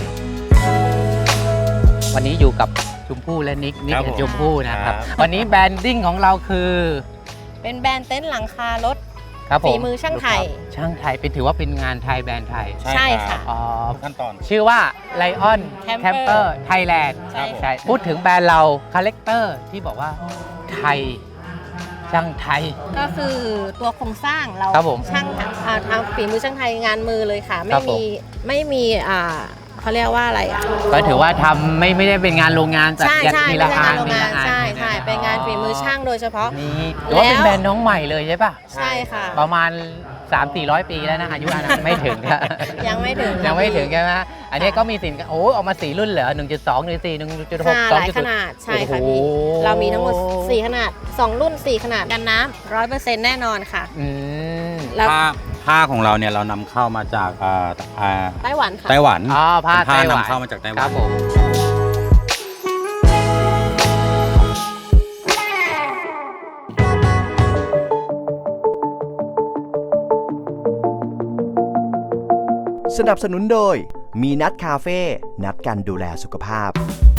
Speaker 3: วันนี้อยู่กับชมพู่และนิกนิก
Speaker 6: ครับ
Speaker 3: กับ
Speaker 6: ผม
Speaker 3: ชมพู่นะครับ
Speaker 6: ครับ
Speaker 3: วันนี้แบรนดิ้งของเราคือ
Speaker 8: เป็นแบรนด์เต็นท์หลังคารถ
Speaker 3: ครับผม
Speaker 8: ฝีมือช่างไทย
Speaker 3: ช่างไทยเป็นถือว่าเป็นงานไทยแบรนด์ไทย
Speaker 8: ใช่ค่ะ
Speaker 3: อ๋อ
Speaker 6: ทุกขั้นตอน
Speaker 3: ชื่อว่า Lion
Speaker 8: Camper
Speaker 3: Camper Thailand
Speaker 8: ใช่ค่ะ
Speaker 3: ใช่พูดถึงแบรนด์เราคาแรคเตอร์ที่บอกว่าไทยช่างไทย
Speaker 8: ก็คือตัวโครงสร้างเรา
Speaker 3: ครับผม
Speaker 8: ช่างอ่าทำฝีมือช่างไทยงานมือเลยค่ะ
Speaker 3: ครั
Speaker 8: ไม่
Speaker 3: บผม
Speaker 8: มีไม่มีอ่าเขาเรียกว่าอะไรอ่ะ
Speaker 3: ก็ถือว่าทำไม่ไม่ได้เป็นงานโรงงานแต่
Speaker 8: ใช่ใช่
Speaker 3: ที
Speaker 8: ไม่
Speaker 3: ละ
Speaker 8: ใช่
Speaker 3: อั
Speaker 8: งาน นโรงงาน
Speaker 3: ทีละอั
Speaker 8: ใช่ใช่
Speaker 3: ทีละ
Speaker 8: เป็นงานฝีมือช่างโดยเฉพาะ
Speaker 3: นี่ถือว่าเป็น
Speaker 8: แล้ว
Speaker 3: แบรนด์น้องใหม่เลยใช่ป่ะ
Speaker 8: ใช่ค่ะ
Speaker 3: ประมาณ สามสี่ร้อย ปีแล้วนะอายุอานามไม่ถึงครับ
Speaker 8: ยังไม่ถึง
Speaker 3: ยังไม่ถึงใช่ไหมอันนี้ก็มีสินค้าโอ้ออกมาสี่รุ่นเหรอหนึ่งจุดสอง หนึ่งจุดสี่ หนึ่งจุดหก
Speaker 8: ค่ะ
Speaker 3: ส
Speaker 8: ห
Speaker 3: อง
Speaker 8: ลาย
Speaker 3: จุด
Speaker 8: ข
Speaker 3: ศูนย์
Speaker 8: นาดใช่ค่ะ
Speaker 3: โอ้
Speaker 8: พี่
Speaker 3: โห
Speaker 8: เรามีทั้งหมดสี่ขนาดสองรุ่นสี่ขนาดกันน้ำร้อยเปอร์เซ็นต์แน่นอนค่ะ
Speaker 3: อืม
Speaker 8: แล้ว
Speaker 6: ผ้า
Speaker 9: ผ้าของเราเนี่ยเรานำเข้ามาจากอ่าอ่า
Speaker 8: ไต้หวันค่ะ
Speaker 9: ไต้หวัน
Speaker 3: อ๋อผ้า
Speaker 9: เป็นผ้า
Speaker 3: ไต้หวัน
Speaker 9: นำเข้ามาจากไต้ห
Speaker 3: ค
Speaker 9: วั
Speaker 3: รั
Speaker 9: น
Speaker 3: บผม
Speaker 7: สนับสนุนโดยมีนัดคาเฟ่นัดกันดูแลสุขภาพ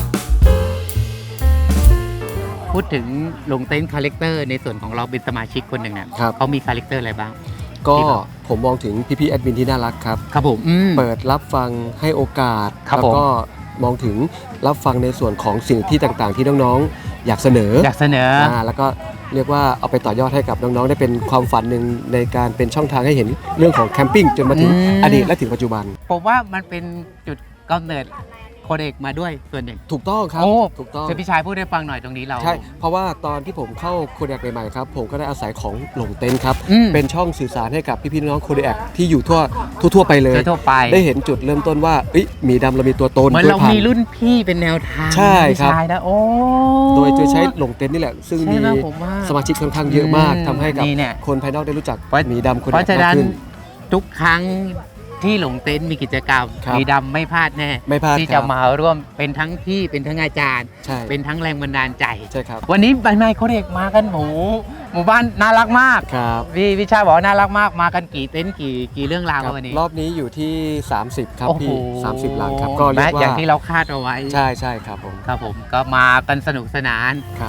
Speaker 3: พูดถึงลงเต้นคาแรคเตอร์ในส่วนของเราเป็นสมาชิกคนหนึ่งเนี่ย
Speaker 4: ครับ
Speaker 3: เขามีคาแรคเตอร์อะไรบ้าง
Speaker 4: ก็
Speaker 3: ที่แบบ
Speaker 4: ผมมองถึงพี่ๆแอดมินที่น่ารักครับ
Speaker 3: ครับผมอืม
Speaker 4: เปิดรับฟังให้โอกาส
Speaker 3: ครับ
Speaker 4: แล้ว
Speaker 3: ผม
Speaker 4: ก็มองถึงรับฟังในส่วนของสิ่งที่ต่างๆ ที่น้องๆ อยากเสนอ
Speaker 3: อยากเสนอ
Speaker 4: อ่าแล้วก็เรียกว่าเอาไปต่อยอดให้กับน้องๆ ได้เป็นความฝันหนึ่งในการเป็นช่องทางให้เห็นเรื่องของแคมปิ้งจนมาถึง
Speaker 3: อืม
Speaker 4: อดีตและถึงปัจจุบัน
Speaker 3: ผมว่ามันเป็นจุดกำเนิดโคเด็กมาด้วยส่วนหนึ่ง
Speaker 4: ถูกต้องครับ
Speaker 3: โอ้
Speaker 4: ถูกต้อง
Speaker 3: เชิญพี่ชายพูดให้ฟังหน่อยตรงนี้เรา
Speaker 4: ใช่ เพราะว่าตอนที่ผมเข้าโคเด a ใหม่ๆครับผมก็ได้อาศัยของหลงเต็นท์ครับ
Speaker 3: อืม
Speaker 4: เป็นช่องสื่อสารให้กับพี่ๆน้องๆโคเด a ที่อยู่ทั่วทั่วๆไปเลย
Speaker 3: ทั่วๆไป
Speaker 4: ได้เห็นจุดเริ่มต้นว่าเอ้ยหมีดำเรามีตัวตน
Speaker 3: เหมือนเรา
Speaker 4: กล้วยพัน
Speaker 3: มี
Speaker 4: ธุ์
Speaker 3: รุ่นพี่เป็นแนวทาง
Speaker 4: ใช่
Speaker 3: พี่
Speaker 4: ครับ
Speaker 3: ชายนะโอ้
Speaker 4: โดยจะใช้หลงเต็นท์นี่แหละ ซึ่ง
Speaker 3: ใช่
Speaker 4: มี
Speaker 3: ไหมผมว่า
Speaker 4: สมาชิกค่อนข้างเยอะมาก
Speaker 3: อืม
Speaker 4: ทำให้กับ
Speaker 3: นี่เนี่ย
Speaker 4: คนภายนอกได้รู้จัก
Speaker 3: เพราะ
Speaker 4: หมีดำโคเด
Speaker 3: เพราะฉะ
Speaker 4: a
Speaker 3: นั้
Speaker 4: มาก
Speaker 3: น
Speaker 4: ขึ้น
Speaker 3: ทุกครั้งที่หลงเต็นท์มีกิจกรรม
Speaker 4: ครับ
Speaker 3: มีดำไม่พลาดแน่
Speaker 4: ไม่พลาด
Speaker 3: ที่
Speaker 4: ค
Speaker 3: จะ
Speaker 4: รับ
Speaker 3: มาร่วมเป็นทั้งพี่เป็นทั้งอาจารย์
Speaker 4: ใช่
Speaker 3: เป็นทั้งแรงบันดาลใจ
Speaker 4: ใช่ครับ
Speaker 3: วันนี้ใบไม้โคเด็กมากันหมูหมู่บ้านน่ารักมาก
Speaker 4: ครับ
Speaker 3: พี่วิชาบอกว่าน่ารักมากมากันกี่เต็นท์กี่กี่เรื่องราว
Speaker 4: ครับ
Speaker 3: วันนี้
Speaker 4: รอบนี้อยู่ที่ สามสิบ ครับ
Speaker 3: โอ้โห
Speaker 4: พี่สามสิบหลังครับก็เรียก
Speaker 3: และอย่าง
Speaker 4: ว่า
Speaker 3: ที่เราคาดเอาไว้
Speaker 4: ใช่ใช่ครับผม
Speaker 3: ครับผมก็มากันสนุกสนาน
Speaker 4: ครับ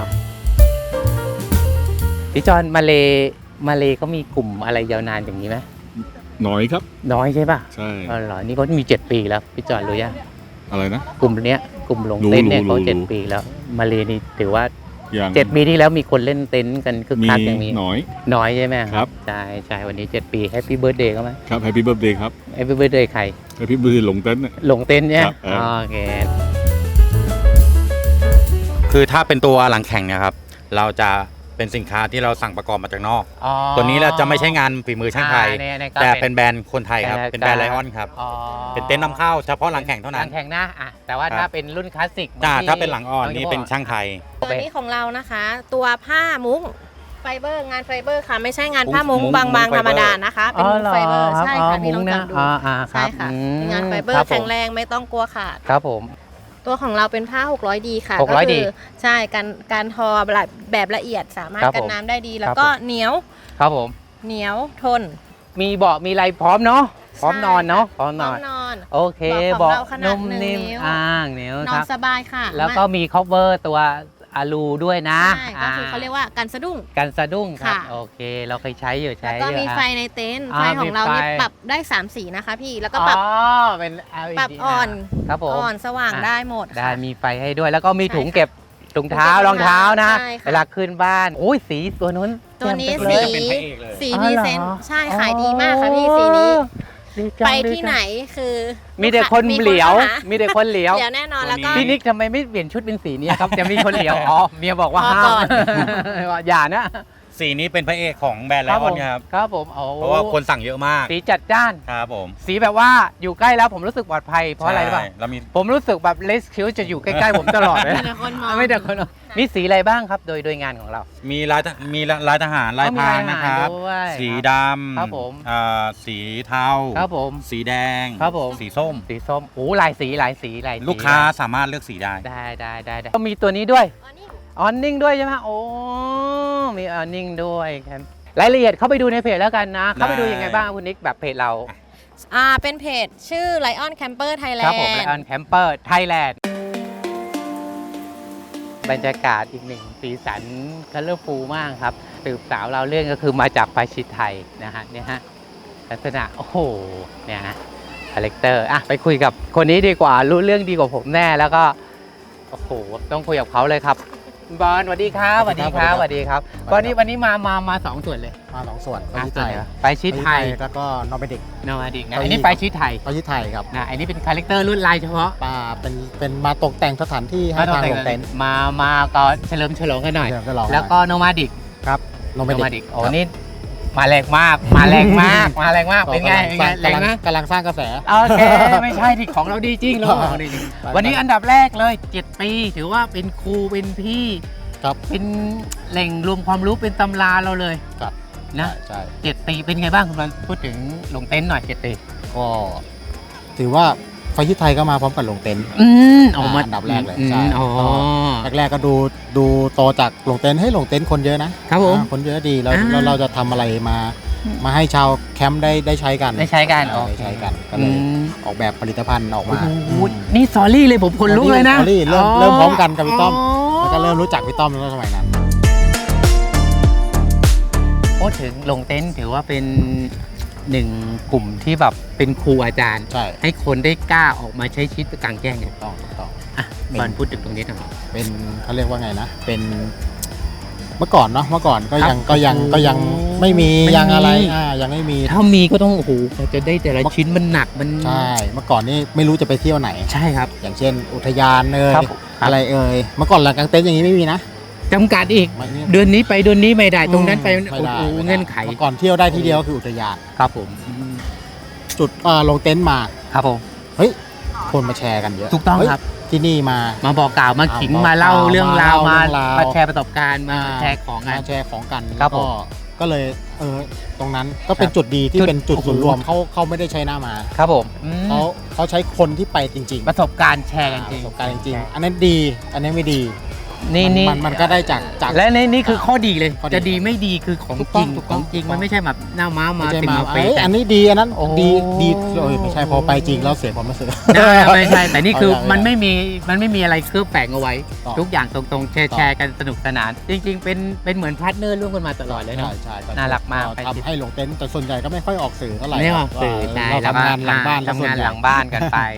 Speaker 3: พี่จอนมาเลมาเลเขามีกลุ่มอะไรยาวนานอย่างนี้ไหม
Speaker 6: น้อยครับ
Speaker 3: น้อยใช่ป่ะ
Speaker 6: ใช่
Speaker 3: อ๋อเหรอนี่เขามีเจ็ดปีแล้วพี่จอนรู้ยัง
Speaker 6: อะไรนะ
Speaker 3: กลุ่มเนี้ยกลุ่มหลง
Speaker 6: รู้
Speaker 3: เต็นท์เนี่ย
Speaker 6: รู้
Speaker 3: เขา
Speaker 6: รู้
Speaker 3: เจ็ดปีแล้วมาเลนี่ถือว่า
Speaker 6: อย่าง
Speaker 3: เจ็ดปีที่แล้วมีคนเล่นเต็นท์กันคึก
Speaker 6: มี
Speaker 3: คักอย่างนี้
Speaker 6: น้อย
Speaker 3: น้อยใช่ไหม
Speaker 6: ครับ
Speaker 3: ใช่ใช่วันนี้เจ็ดปีแฮปปี้เบิร์ดเดย์เขาไหม
Speaker 6: ครับ Happy Birthday ครับ
Speaker 3: แฮปปี้เบิร์ดเดย์ใคร
Speaker 6: Happy Birthday หลงเต้นท์เนี่ย
Speaker 3: หลงเต็นท์เนี่ย
Speaker 6: ครับเออ
Speaker 3: โอเค
Speaker 9: คือถ้าเป็นตัวหลังแข่งเนี่ยครับเราจะเป็นสินค้าที่เราสั่งประกอบมาจากนอก
Speaker 3: อ๋อ
Speaker 9: ตัวนี้เราจะไม่ใช่งานฝีมือช่างไทย
Speaker 3: อ่าเนี่ยเนี่ยก็
Speaker 9: แต่
Speaker 3: เป็
Speaker 9: เป็น นแบรนด์คนไทยครับ
Speaker 3: เป็น
Speaker 9: เป็นแบรนด์
Speaker 3: แบ
Speaker 9: ไล
Speaker 3: รนด์
Speaker 9: ออนครับ
Speaker 3: อ๋อ
Speaker 9: เป็นเต็นท์นำเข้าเฉพาะหลังแข่งเท่า
Speaker 3: ห
Speaker 9: นั้
Speaker 3: ลั
Speaker 9: น
Speaker 3: งแข่งนะอ่ะแต่ว่า
Speaker 9: ครับ
Speaker 3: ถ้าเป็นรุ่นคลาสสิก
Speaker 9: จ้า
Speaker 3: ที่
Speaker 9: ถ้าเป็นหลังอ่อนนี่เป็น
Speaker 3: ที่
Speaker 9: ช่างไทย
Speaker 8: ตัวนี้ของเรานะคะ ตัวผ้ามุ้งไฟเบอร์งานไฟเบอร์ค่ะ ไม่ใช่งานผ้ามุ้ง
Speaker 9: มุ้ง
Speaker 8: บาง
Speaker 9: มุ้
Speaker 8: ๆ
Speaker 9: งไฟ
Speaker 8: ธรรม
Speaker 9: เบอร์
Speaker 8: ดานะคะ เป็นมุ้งไฟเบอร์ใช่ค่ะพี่ลองจับดู
Speaker 3: อ่าอ่าค
Speaker 8: ใช่
Speaker 3: รับ
Speaker 8: ค่ะ
Speaker 3: อืม
Speaker 8: เป็นงานไฟเบอ
Speaker 3: ค
Speaker 8: ร์
Speaker 3: ผม
Speaker 8: แข็งแรงไม่ต้องกลัวขาด
Speaker 3: ครับผม
Speaker 8: ตัวของเราเป็นผ้า หกร้อยดี ค่ะ
Speaker 3: หกร้อย
Speaker 8: ก็
Speaker 3: ดี
Speaker 8: คืใช่การการทอแบบแบบละเอียดสามารถ
Speaker 3: ครับ
Speaker 8: กัน
Speaker 3: ผม
Speaker 8: น้ำได้ดี แล้ว
Speaker 3: ครับ
Speaker 8: ก็
Speaker 3: ผม
Speaker 8: เหนียว
Speaker 3: ครับผม
Speaker 8: เหนียวทน
Speaker 3: มีเบาะมีอะไรพร้อมเนาะพร้อม
Speaker 8: ใช่
Speaker 3: นอนเนาะพร้อม
Speaker 8: พ
Speaker 3: น
Speaker 8: ร้อ
Speaker 3: อ
Speaker 8: ม
Speaker 3: น
Speaker 8: นอน
Speaker 3: โอเค
Speaker 8: เบาะของ
Speaker 3: เบาะ
Speaker 8: เราขนาด
Speaker 3: นุ่ม
Speaker 8: หนึ่ง
Speaker 3: นิ่ม
Speaker 8: นิ้ว
Speaker 3: อ่างเหนียวน
Speaker 8: อ
Speaker 3: คน รับ
Speaker 8: สบายค่ะ
Speaker 3: แล้วก็มี cover ตัวอะลูด้วยนะ
Speaker 8: ใช่ก็คือเขาเรียกว่ากันสะดุ้ง
Speaker 3: กันสะดุ้งครับ
Speaker 8: ค่ะ
Speaker 3: โอเค เราเคยใช้อยู่
Speaker 8: แล้ว
Speaker 3: ใช้
Speaker 8: ก็
Speaker 3: อยู่
Speaker 8: มี
Speaker 3: ฮะ
Speaker 8: ไฟในเต็นท์
Speaker 3: อ่า
Speaker 8: ไฟของเรานี่
Speaker 3: มีไฟ
Speaker 8: ปรับได้สามสีนะคะพี่แล้วก็ปรับ
Speaker 3: อ๋อเป็น แอล อี ดี
Speaker 8: ปรับอ่อน
Speaker 3: ครับผม
Speaker 8: อ่อนสว่าง
Speaker 3: อ่ะ
Speaker 8: ได้หมด
Speaker 3: ได้
Speaker 8: ค่ะ
Speaker 3: มีไฟให้ด้วย แล้วก็มี
Speaker 8: ใช่
Speaker 3: ถุง
Speaker 8: ค่ะ
Speaker 3: เก็บถุงเท้า
Speaker 8: ถุงเก็บ
Speaker 3: รองเท้านะ
Speaker 8: ใช่ค่ะ
Speaker 3: เวลาขึ้นบ้านโอ้ยสีตัวนู้น
Speaker 8: ตัวนี้
Speaker 3: แจ่ม
Speaker 8: สี
Speaker 3: ไปเลย
Speaker 9: เป็นพระเอกเลย
Speaker 8: สี
Speaker 3: อ๋อ
Speaker 8: พรี
Speaker 3: เหรอ
Speaker 8: เซนต์ใช่ขายดีมากค่ะพี่สีนี้
Speaker 3: ดีจัง
Speaker 8: ไป
Speaker 3: ดี
Speaker 8: ที่
Speaker 3: จัง
Speaker 8: ไหนคือ
Speaker 3: มีแต่คน
Speaker 8: มี
Speaker 3: เหลียว
Speaker 8: ข้าหา
Speaker 3: มีแต่คนเหลียว
Speaker 8: เหลียวแน่นอนแล้วก็
Speaker 3: พี่นิกทำไมไม่เปลี่ยนชุดเป็นสีนี้ครับ จะมีคนเหลียว อ๋อ เมียบอกว่า
Speaker 8: พอ
Speaker 3: ห้า
Speaker 8: ก่
Speaker 3: ม
Speaker 8: อน
Speaker 3: ว่าอย่านะ
Speaker 9: สีนี้เป็นพระเอกของแบรนด์ไลออนครับ
Speaker 3: ครับผมโอ้
Speaker 9: เพราะว่าคนสั่งเยอะมาก
Speaker 3: สีจัดจ้าน
Speaker 9: ครับผม
Speaker 3: สีแบบว่าอยู่ใกล้แล้วผมรู้สึกปลอดภัย เพราะอะไรรู้ป่ะ
Speaker 9: ใช่เรามี
Speaker 3: ผมรู้สึกแบบเลสคิวจะอยู่ใกล้ๆผมตลอดเลย
Speaker 8: มีแต่คนมอง
Speaker 3: ไม่แต่คนมองมีสีอะไรบ้างครับ โดยโดยงานของเรา
Speaker 9: มีลายทหมีลายทหารลายพรางนะครับ
Speaker 3: อ๋อมีลายทหารด้วย
Speaker 9: สีดำ
Speaker 3: ครับผม
Speaker 9: อ่าสีเทา
Speaker 3: ครับผม
Speaker 9: สีแดง
Speaker 3: ครับผม
Speaker 9: สีส้ม
Speaker 3: สีส้มโอ้หลายสีหลายสีหลายสี
Speaker 9: ลูกค้าสามารถเลือกสีได้
Speaker 3: ได้ได้ได้ได้ก็มีตัวนี้ด้วย
Speaker 8: อ๋อนี่
Speaker 3: ออนนิ่งด้วยใช่ไหมโอ้ มีออนนิ่งด้วยครับ รายละเอียดเข้าไปดูในเพจแล้วกันนะ เข้าไปดูยังไงบ้างคุณนิกแบบเพจเรา
Speaker 8: อ่าเป็นเพจชื่อ Lion Camper
Speaker 3: ครับ
Speaker 8: Thailand
Speaker 3: ผมไลออนแคมเปอร์ไทยแลนด์บรรยากาศอีกหนึ่งสีสันคัลเลอร์ฟูลมากครับสืบสาวเราเรื่องก็คือมาจากปาชิตไทยนะฮะเนี่ยฮะลักษณะโอ้โหเนี่ยฮะคาแรคเตอร์อ่ะไปคุยกับคนนี้ดีกว่ารู้เรื่องดีกว่าผมแน่แล้วก็โอ้โหต้องคุยกับเขาเลยครับบอลสวัสดีครับสวัสดีครับสวัสดีครับวันนี้วันนี้มามามาสองส่วนเลย
Speaker 5: มาสองส่วนไป
Speaker 3: อ่ะ
Speaker 5: ที่
Speaker 3: ส่
Speaker 5: ไท
Speaker 3: วน
Speaker 5: ย
Speaker 3: ไหนวะไปชิดไทย
Speaker 5: แล้วก็นอร์เวดิก
Speaker 3: นอร์ดิกนะ
Speaker 5: ไป
Speaker 3: อันนี้
Speaker 5: ที่
Speaker 3: ไปชิดไทย
Speaker 5: ไปที่ไทยครับ
Speaker 3: นะอันนี้เป็นคาแรคเตอร์รุ่นลายเฉพาะ
Speaker 5: ปาเป็นเป็นมาตกแต่งสถานที่ให้ทางโรงเต็นท์
Speaker 3: มามาก็เฉลิมฉลองกันหน่อย
Speaker 5: เดี๋ยวจะลอง
Speaker 3: แล้วก็โนมาดิก
Speaker 5: ครับนอร์
Speaker 3: โน
Speaker 5: เว
Speaker 3: มา
Speaker 5: ดิ
Speaker 3: ดิ
Speaker 5: ก
Speaker 3: กโอ้นี่มาแรงมาก มาแรงมาก มาแรงมาก เป็นไงเป็นไงแรงนะ
Speaker 5: กำลังสร้างกระแส
Speaker 3: โอเค ไม่ใช่ที่ของเราดีจริงเราของดีจริง
Speaker 5: ไป
Speaker 3: วันนี้อันดับแรกเลยเจ็ดปีถือว่าเป็นครูเป็นพี่
Speaker 5: ครับ
Speaker 3: เป็นแหล่งรวมความรู้เป็นตำราเราเลย
Speaker 5: ครับ
Speaker 3: นะ
Speaker 5: ใช่
Speaker 3: เจ็ดปีเป็นไงบ้างคุณบอลพูดถึงลงเต็นท์หน่อยเจ็ดปี
Speaker 5: ก็ถือว่าไฟที่ไทยก็มาพร้อมกับลงเต็นท์
Speaker 3: อืมออกมา
Speaker 5: อันดับแรกเลย
Speaker 3: อืม
Speaker 5: ใช่
Speaker 3: อ๋อ
Speaker 5: แรกๆก็ดูดูโตจากลงเต็นท์ให้ลงเต็นท์คนเยอะนะครับ
Speaker 3: ผม
Speaker 5: อ่าคนเยอะดีแล้ว
Speaker 3: อ่า
Speaker 5: แล้วเราจะทำอะไรมามาให้ชาวแคมป์ได้ได้ใช้กัน
Speaker 3: ได้ใช้กัน
Speaker 5: อ่าได้ใช้กันก็เลยออกแบบผลิตภัณฑ์ออกมา
Speaker 3: โอ้โหนี่ซอรี่เลยผมขนลุกเลยนะ
Speaker 5: สอรี่เริ่มเริ่มพร้อมกันกับพี่ต้อมแล้วก็เริ่มรู้จักพี่ต้อมในสมัยนั้น
Speaker 3: พูดถึงลงเต็นท์ถือว่าเป็นหนึ่งกลุ่มที่แบบเป็นครูอาจารย์
Speaker 5: ใช่
Speaker 3: ให้คนได้กล้าออกมาใช้ชีวิตกลางแจ้งเนี่ย
Speaker 5: ต้องต้อง
Speaker 3: อ่ะบอลพูดถึงตรงนี้หน่อย
Speaker 5: เป็นเขาเรียกว่าไงนะ เป็นเมื่อก่อนเนาะเมื่อก่อนก็ยัง
Speaker 3: ครับ
Speaker 5: ก็ยังก็ยังไม่มี
Speaker 3: ไม่มี
Speaker 5: ยังอะไรอ่ายังไม่มี
Speaker 3: ถ้ามีก็ต้องโอ้โหกว่าจะได้แต่ละชิ้นมันหนักมัน
Speaker 5: ใช่เมื่อก่อนนี่ไม่รู้จะไปเที่ยวไหน
Speaker 3: ใช่ครับ
Speaker 5: อย่างเช่น อุทยานเอ่ย
Speaker 3: ครับ
Speaker 5: อะไรเอ่ยเมื่อก่อนหลังกลางเต็นท์อย่างนี้ไม่มีนะ
Speaker 3: จำกัดอีก
Speaker 5: ไม่มี
Speaker 3: เดือนนี้ไปเดือนนี้ไม่ได้ตรงนั้นไป
Speaker 5: ไม่
Speaker 3: โอ้
Speaker 5: ได้
Speaker 3: โห
Speaker 5: ไม่ได้
Speaker 3: เงื่อนไข
Speaker 5: เมื่อก่อนเที่ยวได้ที่เดียวคืออุทยาน
Speaker 3: ครับผม
Speaker 5: จุดอ่าลงเต็นท์มา
Speaker 3: ครับผม
Speaker 5: เฮ้ยคนมาแชร์กันเยอะ
Speaker 3: ถูกต้อง
Speaker 5: เฮ้ย
Speaker 3: ครับ
Speaker 5: ที่นี่มา
Speaker 3: มาบอกกล่าวมาขิง
Speaker 5: อ่า
Speaker 3: มาเล่า
Speaker 5: บอกกล่าว
Speaker 3: เรื่องราว
Speaker 5: มา
Speaker 3: มา
Speaker 5: เล่าเรื่องราว
Speaker 3: มาแชร์ประสบการณ์มา
Speaker 5: อ่า
Speaker 3: แชร์ของงาน
Speaker 5: มาแชร์ของกัน
Speaker 3: ครับผม
Speaker 5: ก็ก็เลยเออตรงนั้นก็เป็น
Speaker 3: ครับ
Speaker 5: จุดดีที่
Speaker 3: จุด
Speaker 5: เป็นจุด
Speaker 3: โอ้โห
Speaker 5: ศูนย์รวมเขาเขาไม่ได้ใช้หน้ามา
Speaker 3: ครับผมอืม
Speaker 5: เขาเขาใช้คนที่ไปจริงๆ
Speaker 3: ประสบการณ์แชร์กันจริง
Speaker 5: ประสบการณ์จริงๆอันนั้นดี อันนี้ไม่ดี
Speaker 3: นี่
Speaker 5: มั
Speaker 3: นี่
Speaker 5: มันมันก็ได้จากจาก
Speaker 3: และในนี่คือข้อดีเลย
Speaker 5: ข้อดี
Speaker 3: จะดีไม่ดีคือของ
Speaker 5: ถูก
Speaker 3: จ
Speaker 5: ต้
Speaker 3: ริ
Speaker 5: อง
Speaker 3: ง
Speaker 5: ถูก
Speaker 3: ข
Speaker 5: ต้
Speaker 3: อ
Speaker 5: อง ง
Speaker 3: จริง
Speaker 5: ถูกต้อง
Speaker 3: มันไม่ใช่แบบหน้าม้ามา
Speaker 5: ไม่ใช่
Speaker 3: ติด
Speaker 5: มา
Speaker 3: มาเฟ
Speaker 5: เอ้ย
Speaker 3: กั
Speaker 5: อั
Speaker 3: น
Speaker 5: นนี้ดีอันนั้น
Speaker 3: โอ้
Speaker 5: ดีดีเอ้ยไม่ใช่พอไปจริงแล้วเสียความรู้สึก
Speaker 3: ได้ไม่ใช่แต่นี่คือ
Speaker 5: เอาอย่าง
Speaker 3: มันไม่มีมันไม่มีอะไรเคลือบแฝงเอาไว้
Speaker 5: ต่อ
Speaker 3: ทุกอย่างตรงๆแชร์
Speaker 5: ต่อ
Speaker 3: แชร์กันสนุกสนาน จริง ๆ เป็นเป็นเหมือนพาร์ทเนอร์ร่วมกันมาตลอดเลยเนาะ
Speaker 5: ใช่ใช่
Speaker 3: น่ารักมาก
Speaker 5: ทำให้ลงเต็นท์แต่ส่วนใหญ่ก็ไม่ค่อยออกสื่อเท่าไหร่
Speaker 3: ไม่ออกสื่อ
Speaker 5: ว่า
Speaker 3: ใช่
Speaker 5: เรา
Speaker 3: แล้วก็
Speaker 5: ทำงานหลังบ้าน
Speaker 3: ทำงาน
Speaker 5: ซะส่วใญ่
Speaker 3: หลังบ้านกันไป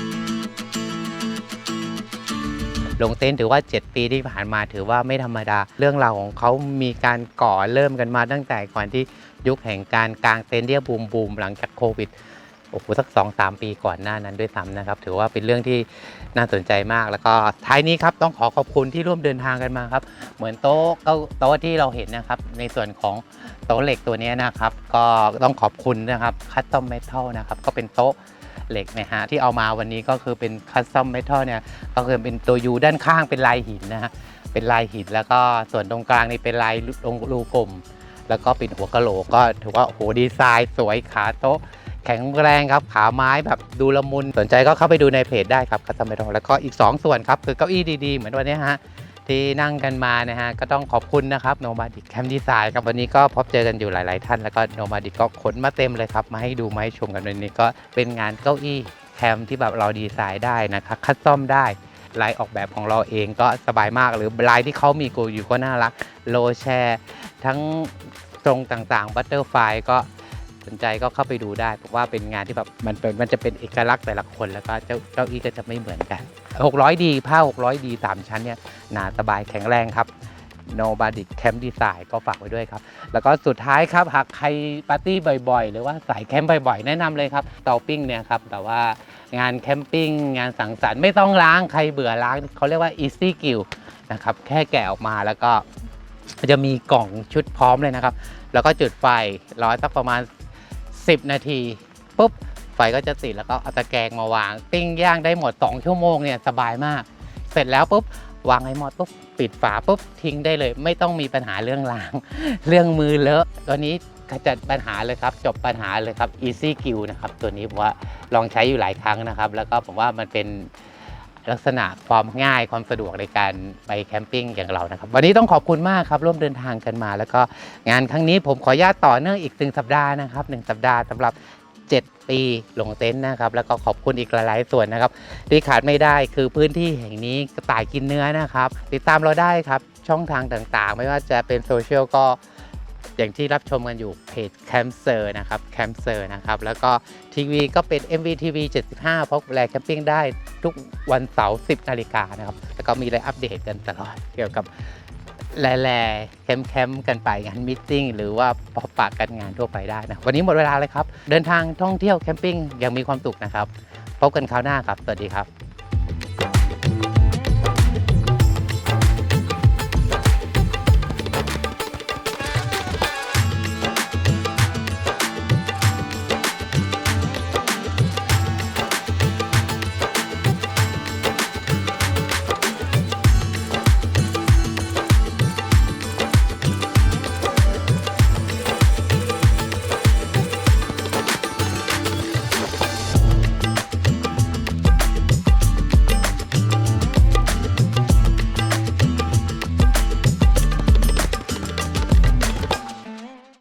Speaker 3: ลงเต็นท์ถือว่า เจ็ด ปีที่ผ่านมาถือว่าไม่ธรรมดา เรื่องราวของเขามีการก่อเริ่มกันมาตั้งแต่ก่อนที่ยุคแห่งการกางเต็นท์ที่บูมบูมหลังจากโควิดโอ้โหสัก สองสาม ปีก่อนหน้านั้นด้วยซ้ำนะครับถือว่าเป็นเรื่องที่น่าสนใจมากแล้วก็ท้ายนี้ครับต้องขอขอบคุณที่ร่วมเดินทางกันมาครับเหมือนโต๊ะเก้าโต๊ะที่เราเห็นนะครับในส่วนของโต๊ะเหล็กตัวนี้นะครับก็ต้องขอบคุณนะครับคัสตอมเมทัลนะครับก็เป็นโต๊ะเหล็กนะฮะที่เอามาวันนี้ก็คือเป็นคัสตอมเมทัลเนี่ยก็คือเป็นตัวยูด้านข้างเป็นลายหินนะฮะเป็นลายหินแล้วก็ส่วนตรงกลางนี่เป็นลายรูกลมแล้วก็เป็นหัวกะโหลกก็ถือว่าโอ้โหดีไซน์สวยขาโต๊ะแข็งแรงครับขาไม้แบบดูละมุนสนใจก็เข้าไปดูในเพจได้ครับคัสตอมเมทัลแล้วก็อีกสองส่วนครับคือเก้าอี้ดีๆเหมือนวันนี้ฮะที่นั่งกันมานะฮะก็ต้องขอบคุณนะครับ Nomadic Camp Design ครับวันนี้ก็พบเจอกันอยู่หลายๆท่านแล้วก็ Nomadic ก็ขนมาเต็มเลยครับมาให้ดูมาให้ชมกันวันนี้ก็เป็นงานเก้าอี้แคมป์ที่แบบเราดีไซน์ได้นะครับคัสตอมได้ลายออกแบบของเราเองก็สบายมากหรือลายที่เขามีกูอยู่ก็น่ารักโลแชร์ทั้งตรงต่างๆบัตเตอร์ไฟก็สนใจก็เข้าไปดูได้เพราะว่าเป็นงานที่แบบมันเป็นมันจะเป็นเอกลักษณ์แต่ละคนแล้วก็เจ้าเก้าอี้ก็จะไม่เหมือนกันหกร้อยดีผ้าหกร้อยดีสามชั้นเนี่ยหนาสบายแข็งแรงครับ Nomadic Camp Design ก็ฝากไว้ด้วยครับแล้วก็สุดท้ายครับหากใครปาร์ตี้บ่อยๆหรือว่าสายแคมป์บ่อยๆแนะนำเลยครับเตาปิ้งเนี่ยครับแบบว่างานแคมปิ้งงานสังสรรค์ไม่ต้องล้างใครเบื่อล้างเขาเรียกว่า easy grill นะครับแค่แกะออกมาแล้วก็จะมีกล่องชุดพร้อมเลยนะครับแล้วก็จุดไฟรอสักประมาณสิบนาทีปุ๊บไฟก็จะติดแล้วก็เอาตะแกรงมาวางปิ้งย่างได้หมดสองชั่วโมงเนี่ยสบายมากเสร็จแล้วปุ๊บวางให้หมดปุ๊บปิดฝาปุ๊บทิ้งได้เลยไม่ต้องมีปัญหาเรื่องล้าง เรื่องมือเลอะตัวนี้ขจัดปัญหาเลยครับจบปัญหาเลยครับ easy grill นะครับตัวนี้ผมว่าลองใช้อยู่หลายครั้งนะครับแล้วก็ผมว่ามันเป็นลักษณะความง่ายความสะดวกในการไปแคมปิ้งอย่างเรานะครับวันนี้ต้องขอบคุณมากครับร่วมเดินทางกันมาแล้วก็งานครั้งนี้ผมขออนุญาตต่อเนื่องอีกหนึ่งสัปดาห์นะครับหนึ่งสัปดาห์สำหรับเจ็ดปีลงเต็นท์นะครับแล้วก็ขอบคุณอีกหลายๆส่วนนะครับที่ขาดไม่ได้คือพื้นที่แห่งนี้กระต่ายกินเนื้อนะครับติดตามเราได้ครับช่องทางต่างๆไม่ว่าจะเป็นโซเชียลก็อย่างที่รับชมกันอยู่เพจแคมเซอร์นะครับแคมเซอร์นะครับแล้วก็ทีวีก็เป็น เอ็ม วี ที วี เจ็ดสิบห้าพบแลแคมปิ้งได้ทุกวันเสาร์สิบนาฬิกานะครับแล้วก็มีอะไรอัปเดตกันตลอดเกี่ยวกับแล่ๆแคมป์ๆกันไปงานมิทติ้งหรือว่าพบปะกันงานทั่วไปได้นะวันนี้หมดเวลาเลยครับเดินทางท่องเที่ยวแคมปิ้งอย่างมีความสุขนะครับพบกันคราวหน้าครับสวัสดีครับ